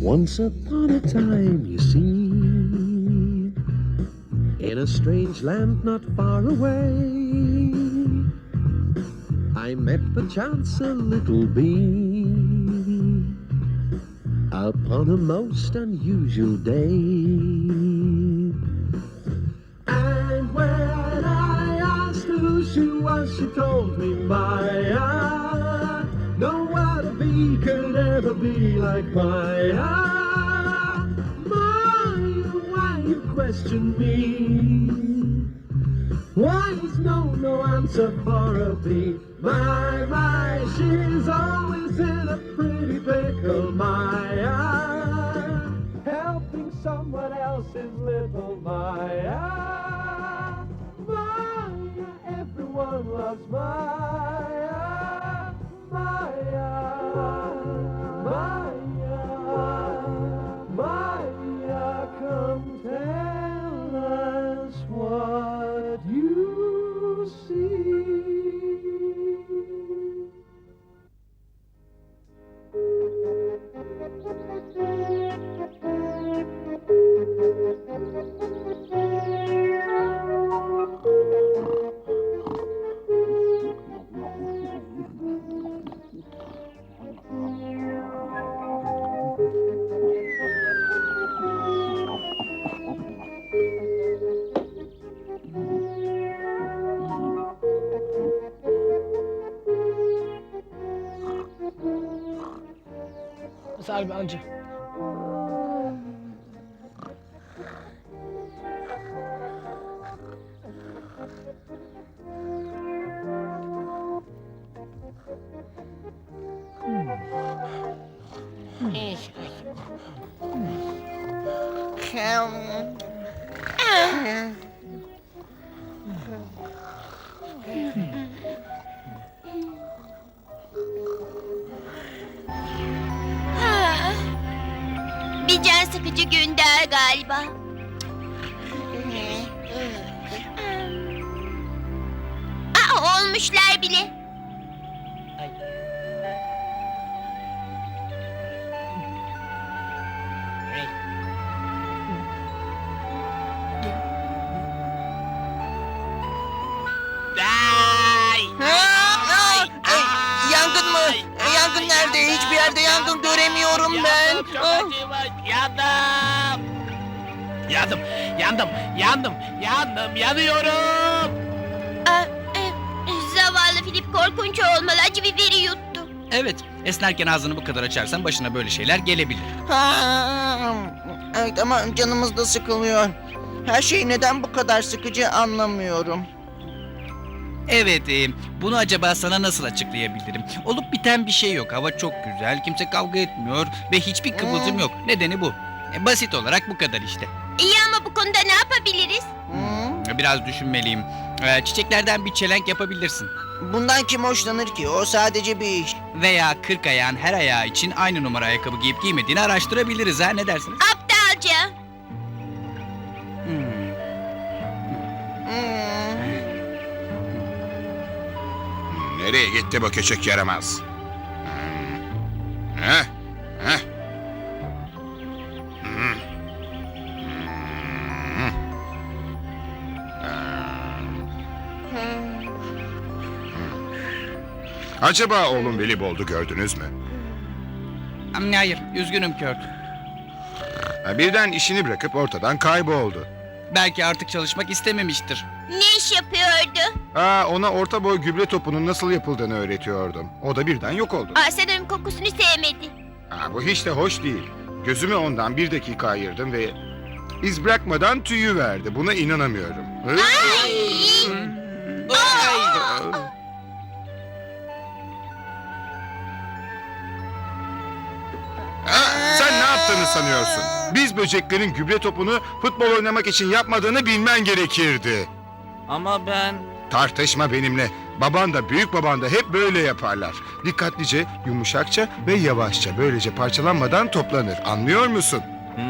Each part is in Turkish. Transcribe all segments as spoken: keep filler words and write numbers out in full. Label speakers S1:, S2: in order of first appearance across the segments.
S1: Once upon a time, you see, in a strange land not far away, I met perchance a little bee upon a most unusual day. And when I asked her who she was, she told me, Maya, no other bee could ever be like Maya. Maya, why you question me? Why is no, no answer for a bee? My, my, she's always in a pretty pickle, Maya. Helping someone else's little Maya. Maya, everyone loves Maya. Maya, Maya, Maya, come tell us what you see.
S2: Sarbi amca.
S3: Ha, bir can sıkıcı gün daha galiba. Aa, olmuşlar bile.
S2: Ay. Hey.
S4: Ay!
S5: Aa, ay, yangın mı? Yangın nerede? Hiçbir yerde yangın göremiyorum ben.
S4: Yandım, çok
S5: Aa.
S4: acı, yandım. Yandım, yandım, yandım, yandım, yanıyorum.
S3: Aa, e, zavallı Filip korkunç olmalı. Acı biberi yuttu.
S6: Evet, esnerken ağzını bu kadar açarsan başına böyle şeyler gelebilir.
S5: Ha, evet ama canımız da sıkılıyor. Her şey neden bu kadar sıkıcı anlamıyorum.
S6: Evet, e, bunu acaba sana nasıl açıklayabilirim? Olup biten bir şey yok. Hava çok güzel, kimse kavga etmiyor ve hiçbir kıvılcım
S5: Hmm.
S6: yok. Nedeni bu. E, basit olarak bu kadar işte.
S3: İyi ama bu konuda ne yapabiliriz?
S5: Hı?
S6: Biraz düşünmeliyim. E, çiçeklerden bir çelenk yapabilirsin.
S5: Bundan kim hoşlanır ki? O sadece bir iş.
S6: Veya kırk ayağın her ayağı için aynı numara ayakkabı giyip giymediğini araştırabiliriz ha, ne dersiniz?
S3: Aptalca.
S6: Hmm.
S5: Hı.
S7: Nereye gitti bu küçük yaramaz? Hmm. Heh, heh. Hmm. Hmm. Acaba oğlum Willibolt'u gördünüz mü?
S6: Hmm, Hayır, üzgünüm Kurt.
S7: Ha, birden işini bırakıp ortadan kayboldu.
S6: Belki artık çalışmak istememiştir.
S3: Ne iş yapıyordu?
S7: Aa, ona orta boy gübre topunun nasıl yapıldığını öğretiyordum. O da birden yok oldu.
S3: Aa, sanırım kokusunu sevmedi.
S7: Aa, bu hiç de hoş değil. Gözümü ondan bir dakika ayırdım ve iz bırakmadan tüyü verdi. Buna inanamıyorum. Hı? Aa, sen ne yaptığını sanıyorsun? Biz böceklerin gübre topunu futbol oynamak için yapmadığını bilmen gerekirdi.
S5: Ama ben...
S7: Tartışma benimle. Baban da büyük baban da hep böyle yaparlar. Dikkatlice, yumuşakça ve yavaşça böylece parçalanmadan toplanır. Anlıyor musun?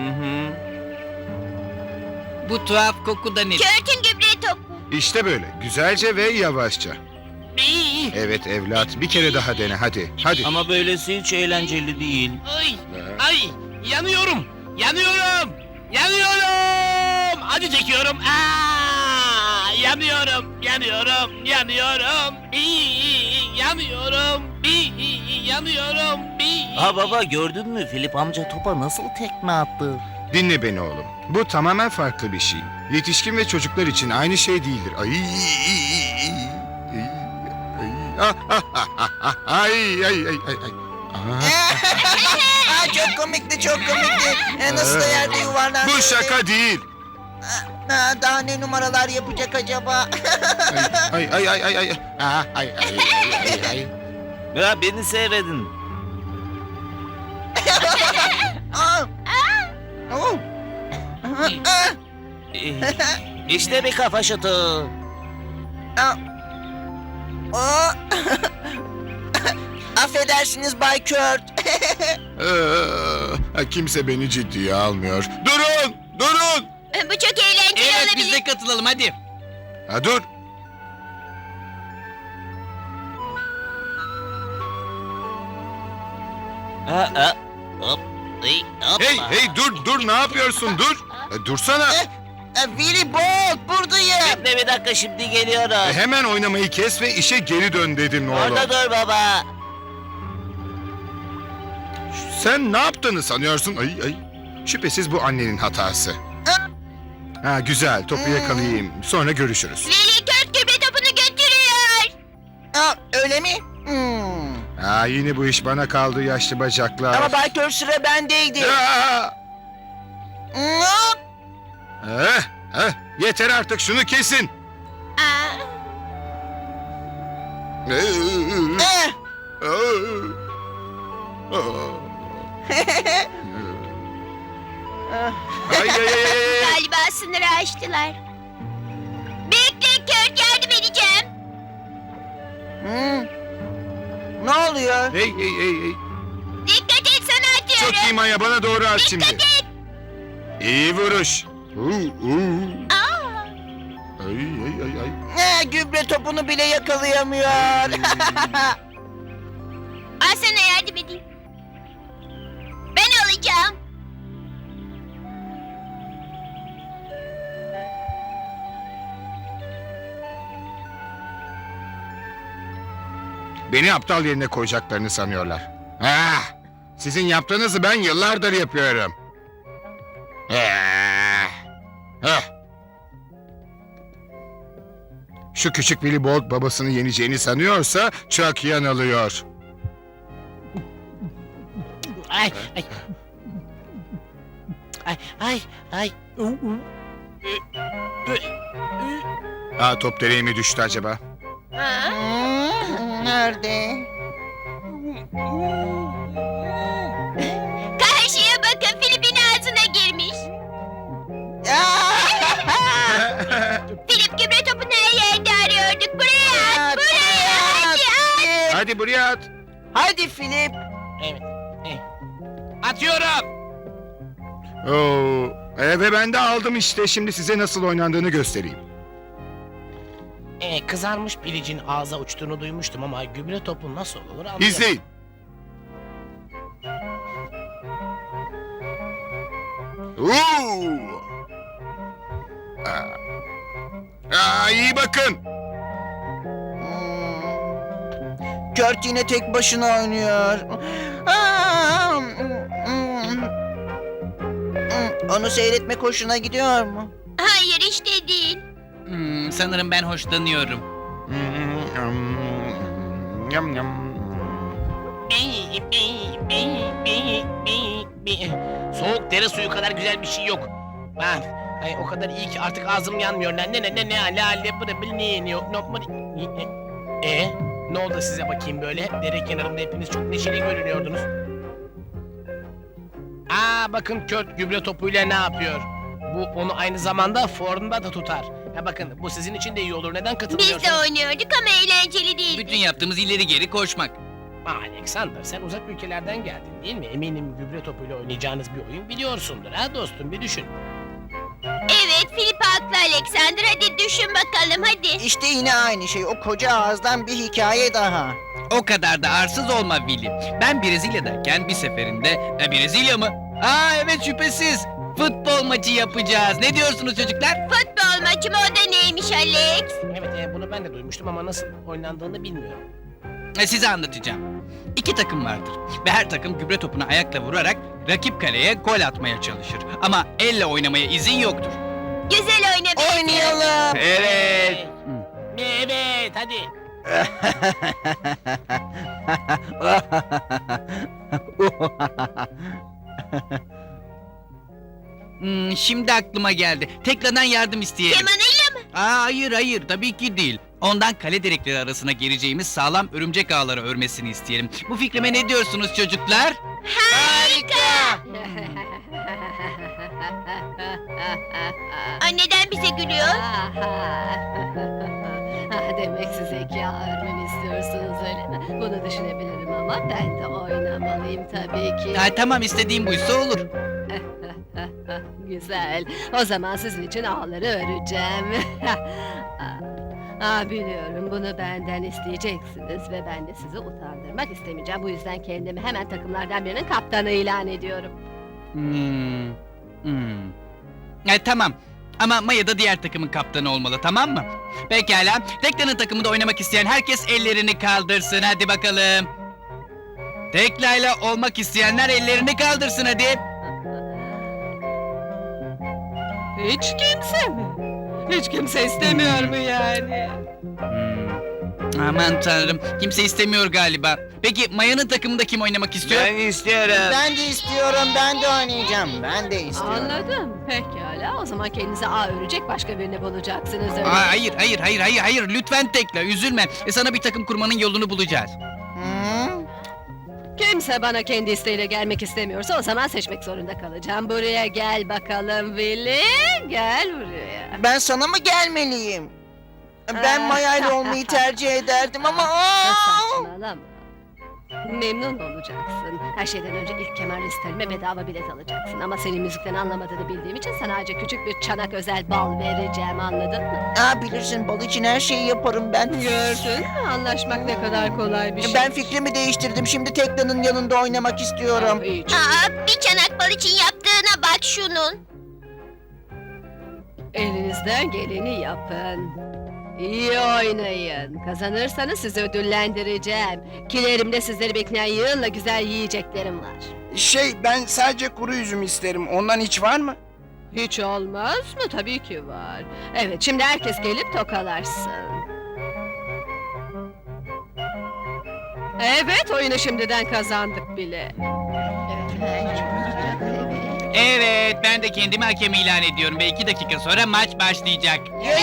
S6: Bu tuhaf koku da nedir?
S3: Kört'ün gübre topu.
S7: İşte böyle. Güzelce ve yavaşça.
S4: İyi.
S7: Evet evlat, bir kere daha dene hadi. Hadi.
S5: Ama böylesi hiç eğlenceli değil.
S4: Ay, ay, yanıyorum, yanıyorum, yanıyorum. Acı çekiyorum. Aa, yanıyorum, yanıyorum, yanıyorum. Bii, yanıyorum, bii, yanıyorum. Bii.
S8: Ha baba gördün mü Filip amca topa nasıl tekme attı?
S7: Dinle beni oğlum. Bu tamamen farklı bir şey. Yetişkin ve çocuklar için aynı şey değildir. Ay, ay, ah, ah, ah, ah, ah, ay, ay, ay, ay, ay. Ah,
S5: Aa, çok komikti, çok komikti. E, nasıl da yerde yuvarlandı.
S7: bu şaka değil.
S5: Aa, daha ne numaralar yapacak acaba?
S7: Ay, ay, ay, ay, ay, ah, ay, ay, ay, ay, ay.
S8: Ya beni seyredin.
S5: Aa. Oo. Aa.
S8: Ee, İşte bir kafa şutu.
S5: Aa. Aa. Affedersiniz Bay Kurt.
S7: Ee, kimse beni ciddiye almıyor. Durun, durun.
S3: Bu çok eğlenceli
S6: Evet
S3: olabilir.
S6: biz de katılalım hadi.
S7: Ha, dur.
S8: Ha, ha. Hop. Hey, hoppa.
S7: Hey, hey, dur, dur. Ne yapıyorsun? Dur. E, dursana.
S5: E, Willy Bolt buradayım.
S8: Bekle bir dakika şimdi
S7: E,
S8: geliyorum.
S7: hemen oynamayı kes ve işe geri dön dedim oğlum.
S8: Orada dur baba.
S7: Sen ne yaptığını sanıyorsun? Ay, ay. Şüphesiz bu annenin hatası. Ha, güzel. Topu yakalayayım. Sonra görüşürüz.
S3: Willy Kurt gübre topunu götürüyor.
S5: Aa, öyle mi? Hmm.
S7: Ha, yine bu iş bana kaldı yaşlı bacaklar.
S5: Ama Bay Kurt sıra bendeydi.
S7: Ya!
S5: Hop.
S7: Eh, eh, yeter artık şunu kesin.
S3: Aa,
S5: Eh.
S7: Ay, ay, ay, ay.
S3: galiba sınırı aştılar. Bekle Kurt, yardım edeceğim.
S5: Hmm. Ne oluyor?
S7: Hey, hey, hey, hey.
S3: Dikkat et, sana atıyorum.
S7: Çok iyi Maya, bana doğru at şimdi.
S3: Dikkat et.
S7: İyi vuruş. Uu, uu.
S3: Aa,
S7: Ay, ay, ay, ay.
S5: Eh, gübre topunu bile yakalayamıyor.
S3: al sana yardım edeyim. Ben alacağım.
S7: Beni aptal yerine koyacaklarını sanıyorlar. Ah, sizin yaptığınızı ben yıllardır yapıyorum. Ah, ah. Şu küçük Willy Bolt babasını yeneceğini sanıyorsa çok yanılıyor.
S4: Ay, ay. Ay, ay, ay. U, u. Ö, ö, ö.
S7: Aa, top direğe mi düştü acaba?
S3: Aa,
S5: Hmm, nerede?
S3: karşıya bakın, Filip'in ağzına girmiş. Filip gübre topunu her yerde arıyorduk. Buraya at, buraya hadi at.
S7: Hadi buraya at.
S5: Hadi Filip.
S4: Evet. eh. Atıyorum.
S7: Oo, e, ve ben de aldım işte. Şimdi size nasıl oynandığını göstereyim.
S4: Ee, kızarmış pilicin ağza uçtuğunu duymuştum ama gübre topu nasıl olur anlayamadım.
S7: İzleyin. Oo. Aa. Aa, iyi bakın.
S5: Hmm. Kurt yine tek başına oynuyor. Aa, hmm, hmm. Hmm, onu seyretmek hoşuna gidiyor mu?
S3: Hayır, işte değil.
S6: Hmm, sanırım ben hoşlanıyorum.
S7: Yam yam.
S4: Bi, bi, bi, bi, bi, bi. Soğuk dere suyu kadar güzel bir şey yok. Ben ay, o kadar iyi ki artık ağzım yanmıyor. Ne ne ne ne ne la le bıra bil ne ne yok no e, e ne oldu size bakayım böyle? Dere kenarında hepiniz çok neşeli görünüyordunuz. Aa bakın Kurt gübre topuyla ne yapıyor? Bu onu aynı zamanda formda da tutar. Ha bakın bu sizin için de iyi olur. Neden
S3: Biz
S4: katılmıyorsunuz?
S3: de oynuyorduk ama eğlenceli değildi.
S6: Bütün yaptığımız ileri geri koşmak.
S4: Alexander sen uzak ülkelerden geldin değil mi? Eminim gübre topuyla oynayacağınız bir oyun biliyorsundur ha dostum bir düşün.
S3: Evet, Filip haklı Alexander. Hadi düşün bakalım, hadi.
S5: İşte yine aynı şey. O koca ağızdan bir hikaye daha.
S6: O kadar da arsız olma Willy. Ben Brezilya'dayken bir seferinde... E, Brezilya mı? Aa evet şüphesiz. Futbol maçı yapacağız. Ne diyorsunuz çocuklar?
S3: Futbol maçı mı, o da neymiş Alex?
S4: Evet e, bunu ben de duymuştum ama nasıl oynandığını bilmiyorum.
S6: E, size anlatacağım. İki takım vardır ve her takım gübre topunu ayakla vurarak rakip kaleye gol atmaya çalışır. Ama elle oynamaya izin yoktur.
S3: Güzel oyna be.
S5: Oynayalım.
S6: Evet.
S4: Evet hadi.
S6: Hmm, şimdi aklıma geldi. Tekrardan yardım isteyelim.
S3: Kemanıyla mı?
S6: Aa, hayır hayır tabii ki değil. Ondan kale direkleri arasına gireceğimiz sağlam örümcek ağları örmesini isteyelim. Bu fikrime ne diyorsunuz çocuklar?
S3: Harika. Ay, neden bize gülüyor?
S9: Ah, demek siz zeka öğrenmemi istiyorsunuz öyle mi? Bunu düşünebilirim ama ben de oynamalıyım tabii ki.
S6: Ha, tamam istediğim buysa olur.
S9: Güzel. O zaman sizin için ağları öreceğim. Ah, biliyorum bunu benden isteyeceksiniz ve ben de sizi utandırmak istemeyeceğim. Bu yüzden kendimi hemen takımlardan birinin kaptanı ilan ediyorum.
S6: Hmm. Hmm. E, tamam. Ama Maya da diğer takımın kaptanı olmalı, tamam mı? Pekala. Tekla'nın takımında oynamak isteyen herkes ellerini kaldırsın. Hadi bakalım. Tekla'yla olmak isteyenler ellerini kaldırsın hadi.
S9: Hiç kimse mi? Hiç kimse istemiyor mu yani?
S6: Hmm. Aman tanrım. Kimse istemiyor galiba. Peki Maya'nın takımında kim oynamak istiyor?
S5: istiyorum. Ben de istiyorum. Ben de oynayacağım. Ben de istiyorum.
S9: Anladım. Pekala. O zaman kendinize ağ örecek başka birini bulacaksınız öyle.
S6: Aa, hayır, hayır, hayır, hayır, hayır. Lütfen Tekla, üzülme. E, sana bir takım kurmanın yolunu bulacağız.
S5: Hı?
S9: Kimse bana kendi isteğiyle gelmek istemiyorsa o zaman seçmek zorunda kalacağım. Buraya gel bakalım Willy. Gel buraya.
S5: Ben sana mı gelmeliyim? Ben Maya ile olmayı tercih ederdim ama... Aa!
S9: Saçmalama. Memnun olacaksın. Her şeyden önce ilk kemer listelerime bedava bilet alacaksın. Ama senin müzikten anlamadığını bildiğim için sana ayrıca küçük bir çanak özel bal vereceğim, anladın mı?
S5: Aa, bilirsin bal için her şeyi yaparım ben.
S9: Gördün mü? Anlaşmak ne kadar kolay bir şey.
S5: Ben fikrimi değiştirdim. Şimdi Tekla'nın yanında oynamak istiyorum.
S9: Ah, iyi.
S3: Aa, bir çanak bal için yaptığına bak şunun.
S9: Elinizden geleni yapın. İyi oynayın. Kazanırsanız sizi ödüllendireceğim. Kilerimde sizleri bekleyen yığınla güzel yiyeceklerim var.
S10: Şey, ben sadece kuru üzüm isterim. Ondan hiç var mı?
S9: Hiç olmaz mı? Tabii ki var. Evet, şimdi herkes gelip tokalarsın. Evet, oyunu şimdiden kazandık bile.
S6: Evet, ben de kendimi hakem ilan ediyorum ve iki dakika sonra maç başlayacak.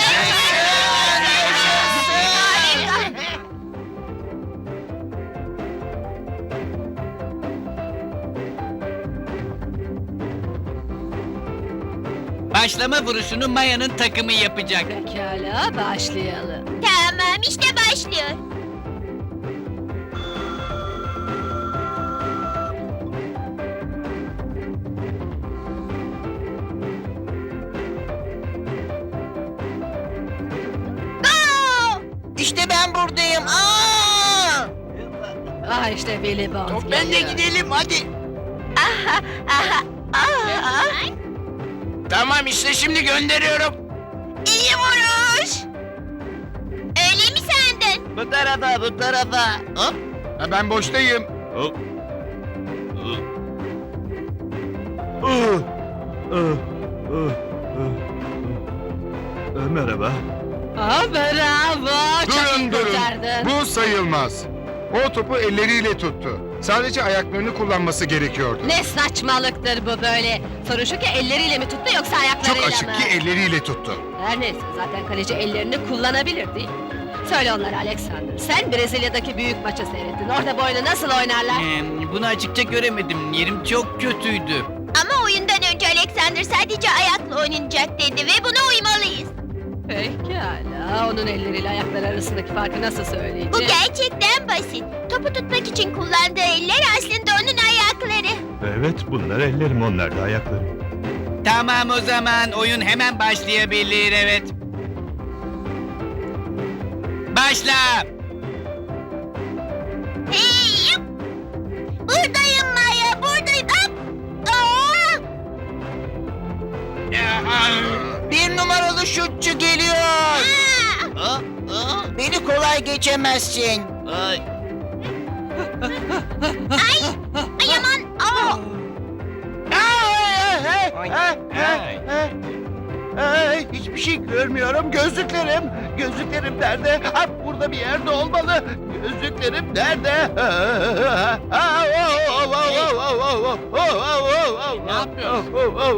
S6: Başlama vuruşunu Maya'nın takımı yapacak.
S9: Pekala, başlayalım.
S3: Tamam, işte başlıyor. Go!
S5: İşte ben buradayım. Aa!
S9: Ah işte Willy Bond
S10: Ben de
S9: geliyor.
S10: gidelim hadi.
S3: Aha, aha, aha.
S10: Tamam işte şimdi gönderiyorum.
S3: İyi vuruş. Öyle mi sandın?
S8: Bu tarafa, bu tarafa. Hop.
S7: Ha, ben boştayım.
S1: Merhaba.
S9: Ah bravo, çok iyi
S7: Durun durun.
S9: kurtardın.
S7: Bu sayılmaz. O topu elleriyle tuttu. Sadece ayaklarını kullanması gerekiyordu.
S9: Ne saçmalıktır bu böyle? Sorun şu ki elleriyle mi tuttu yoksa ayaklarıyla
S7: Çok açık
S9: mı?
S7: ki elleriyle tuttu.
S9: Her neyse zaten kaleci ellerini kullanabilir değil mi? Söyle onlara Alexander. Sen Brezilya'daki büyük maçı seyrettin. Orada bu oyunu nasıl oynarlar?
S6: Ee, bunu açıkça göremedim. Yerim çok kötüydü.
S3: Ama oyundan önce Alexander sadece ayakla oynanacak dedi ve buna uymalıyız.
S9: Pekala. Onun elleriyle ayakları arasındaki farkı nasıl söyleyeceğim?
S3: Bu gerçekten basit. Topu tutmak için kullandığı eller aslında onun ayakları.
S1: Evet, bunlar ellerim, onlar da ayaklarım.
S6: Tamam o zaman oyun hemen başlayabilir evet. Başla.
S3: Hey! Buradayım Maya, buradayım. Hop! Aa!
S5: Yaralı şutçu geliyor.
S8: Aa, aa,
S5: Beni kolay geçemezsin.
S8: ay.
S3: Ay aman. Aa.
S4: Ay, ay.
S10: Ay, hiçbir şey görmüyorum. Gözlüklerim. Gözlüklerim nerede? Ha, burada bir yerde olmalı. Gözlüklerim nerede?
S4: Ne yapıyorsun?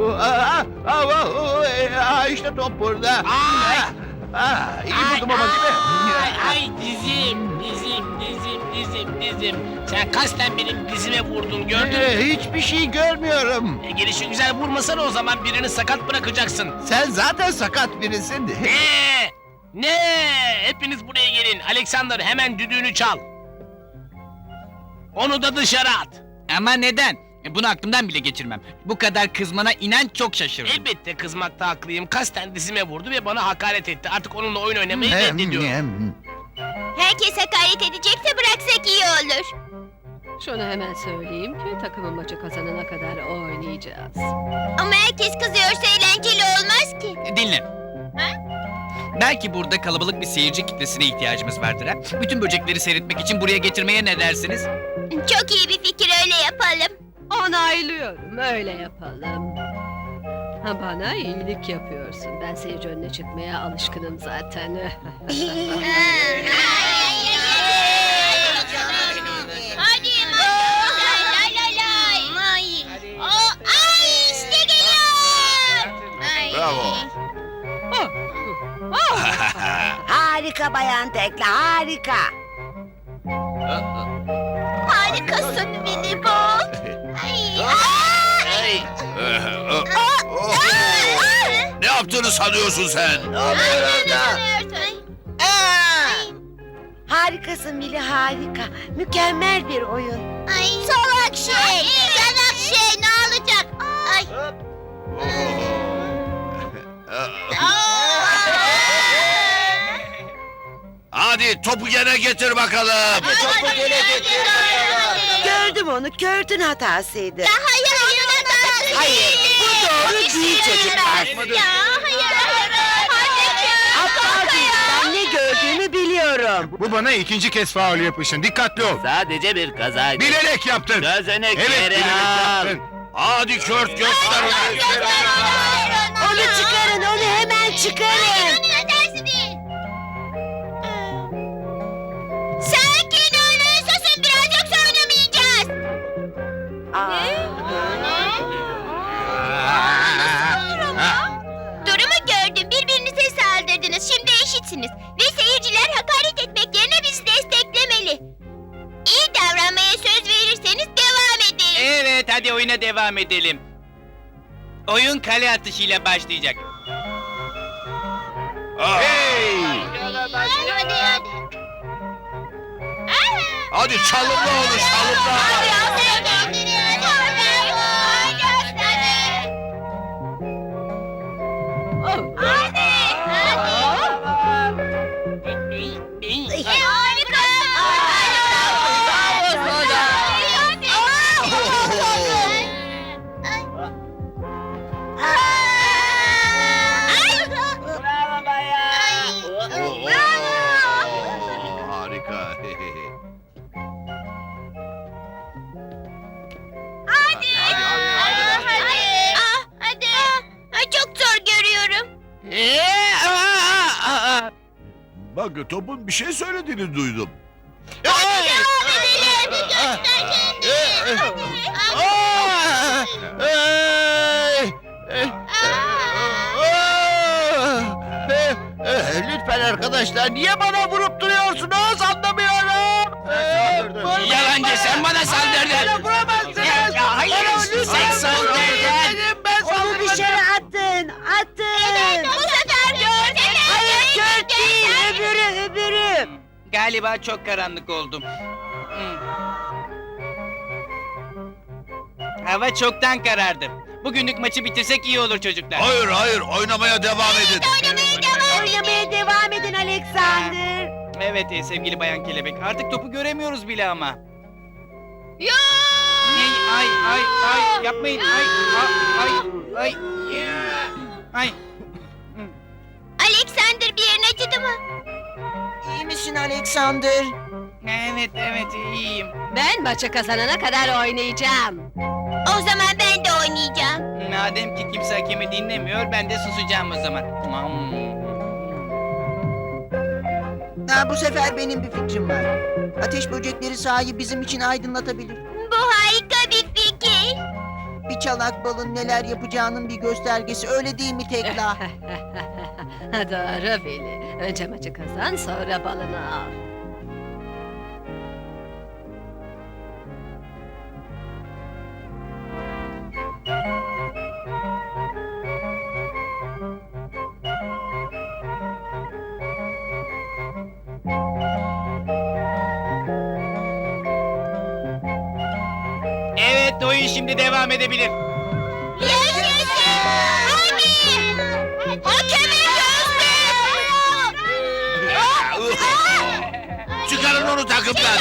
S10: Aa, işte top burada.
S4: Ay!
S10: Aa, iyi buldum ama değil
S4: Ay,
S10: mi?
S4: ay dizim, dizim, dizim, dizim, dizim. Sen kasten benim dizime vurdun gördün mü?
S10: Ee, hiçbir şey görmüyorum.
S4: E, gelişi güzel vurmasana o zaman birini sakat bırakacaksın.
S10: Sen zaten sakat birisin.
S4: Ne? Ne? Hepiniz buraya gelin. Alexander hemen düdüğünü çal. Onu da dışarı at.
S6: Ama neden? E, Bunu aklımdan bile geçirmem. Bu kadar kızmana inan çok şaşırdım.
S4: Elbette kızmakta haklıyım. Kasten dizime vurdu ve bana hakaret etti. Artık onunla oyun oynamayı reddediyorum.
S3: Herkes hakaret edecekse bıraksak iyi olur.
S9: Şunu hemen söyleyeyim ki takımın maçı kazanana kadar oynayacağız.
S3: Ama herkes kızıyorsa eğlenceli olmaz ki.
S6: E, Dinle. Belki burada kalabalık bir seyirci kitlesine ihtiyacımız vardır ha. Bütün böcekleri seyretmek için buraya getirmeye ne dersiniz?
S3: Çok iyi bir fikir, öyle yapalım.
S9: Onaylıyorum, öyle yapalım. Ha, bana iyilik yapıyorsun. Ben seyirci önüne çıkmaya alışkınım zaten.
S3: Hadi lay lay lay. Ay. O, ay işte geliyor. Ay.
S10: Bravo.
S11: Harika Bayan Tekla, harika.
S3: Harikasın Billy Bob. Ay. Ay.
S10: Ne yaptığını sanıyorsun sen?
S11: Harikasın Mili, harika. Mükemmel bir oyun.
S3: Ay salak şey. Salak şey ne olacak? Ay.
S10: Hadi topu gene getir bakalım.
S3: Topu gene getir.
S11: Gördüm onu, Kört'ün hatasıydı.
S3: Hayır hayır hatası
S11: Hayır, bu doğru değil çocuklar.
S3: Ya hayır hayır. Hadi
S11: Aptal değil, ben ne gördüğümü biliyorum.
S7: Bu bana ikinci kez faul yapışın. Dikkatli ol.
S8: Sadece bir kazaydı.
S7: Bilerek yaptın.
S8: Sözünü
S7: Evet,
S8: geri
S7: bilerek
S8: al.
S7: yaptın.
S10: Hadi Kurt göster onu.
S11: Onu çıkarın, onu hemen çıkarın.
S3: Onun hatası değil. Sakin olun, susun biraz yoksa oynamayacağız. Durumu gördüm, birbirinize saldırdınız. Şimdi eşitsiniz. Ve seyirciler hakaret etmek yerine bizi desteklemeli. İyi davranmaya söz verirseniz devam edelim.
S6: Evet, hadi oyuna devam edelim. Oyun kale atışıyla başlayacak.
S10: Hey!
S3: Hadi hadi hadi.
S10: Hadi çalımla onu çalımla.
S3: Hadi hadi hadi. Hadi hadi.
S9: Oh.
S3: Hadi. Harika.
S10: Harika.
S3: Hadi. Hadi hadi. Hadi. Ah, hadi. Ah, çok zor görüyorum.
S10: Bak topun bir şey söylediğini duydum.
S3: Hadi devam edelim. Göster kendini.
S10: Lütfen arkadaşlar niye bana vurup duruyorsunuz anlamıyorum.
S4: Yalancı sen bana saldırdın. Ya, ya hayır sen saldırdın.
S10: Ben
S11: Onu dışarı atın, atın.
S3: Bu sefer gördün.
S11: Hayır, Kört değil, öbürü, öbürü.
S6: Galiba çok karanlık oldu. Hmm. Hava çoktan karardı. Bugünlük maçı bitirsek iyi olur çocuklar.
S10: Hayır hayır oynamaya devam edin.
S3: Oynamaya devam edin.
S11: Oynamaya devam edin Alexander.
S6: Evet e, sevgili Bayan Kelebek. Artık topu göremiyoruz bile ama.
S3: Yo!
S6: Ay ay ay ay yapmayın. Ay ay ay ay. Ay.
S3: Alexander, bir yerin acıdı mı?
S5: İyi misin Alexander?
S6: Evet evet iyiyim.
S9: Ben maçı kazanana kadar oynayacağım.
S3: O zaman ben de oynayacağım.
S6: Madem ki kimse hakemi dinlemiyor ben de susacağım o zaman.
S5: Ha, bu sefer benim bir fikrim var. Ateş böcekleri sahayı bizim için aydınlatabilir.
S3: Bu harika bir fikir.
S5: Bir çanak balın neler yapacağının bir göstergesi, öyle değil mi Tekla?
S9: Doğru Veli. Önce maçı kazan, sonra balını al.
S6: Evet oyun şimdi devam edebilir.
S3: Yaşasın! Hadi! Hakeme göster!
S10: Çıkarın onu takımdan.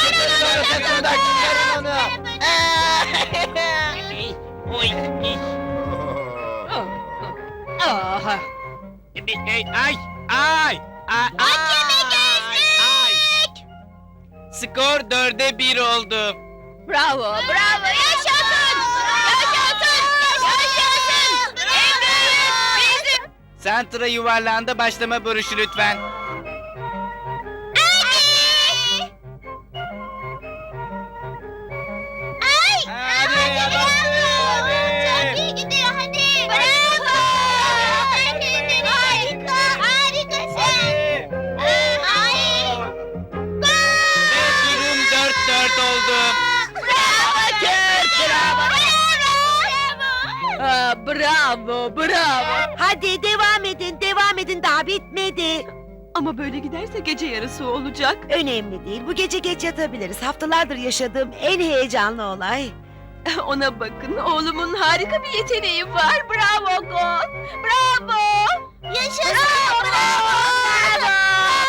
S4: Oy.
S9: Oh, oh. Aha.
S4: Ay ay ay.
S3: Hakeme
S4: Ay.
S3: göster!
S6: Skor dörde bir oldu.
S9: Bravo,
S3: Bravo! Yaşasın! Yaşasın! Yaşasın! En büyük bizim!
S6: Santra yuvarlağında başlama vuruşu lütfen.
S3: Hadi! Ay!
S6: Hadi,
S3: Hadi,
S6: bastır,
S3: bravo!
S6: hadi.
S3: Çok iyi gidiyor, hadi! Bravo! Harika! Harikasın! Ay!
S6: Ve durum dört dört oldu.
S3: Bravo Kurt! Bravo! Bravo!
S9: Aa, bravo, bravo.
S11: Hadi devam edin, devam edin. Daha bitmedi.
S12: Ama böyle giderse gece yarısı olacak.
S11: Önemli değil. Bu gece geç yatabiliriz. Haftalardır yaşadığım en heyecanlı olay.
S12: Ona bakın, oğlumun harika bir yeteneği var. Bravo Gon! Bravo!
S3: Yaşasın! Bravo! Bravo!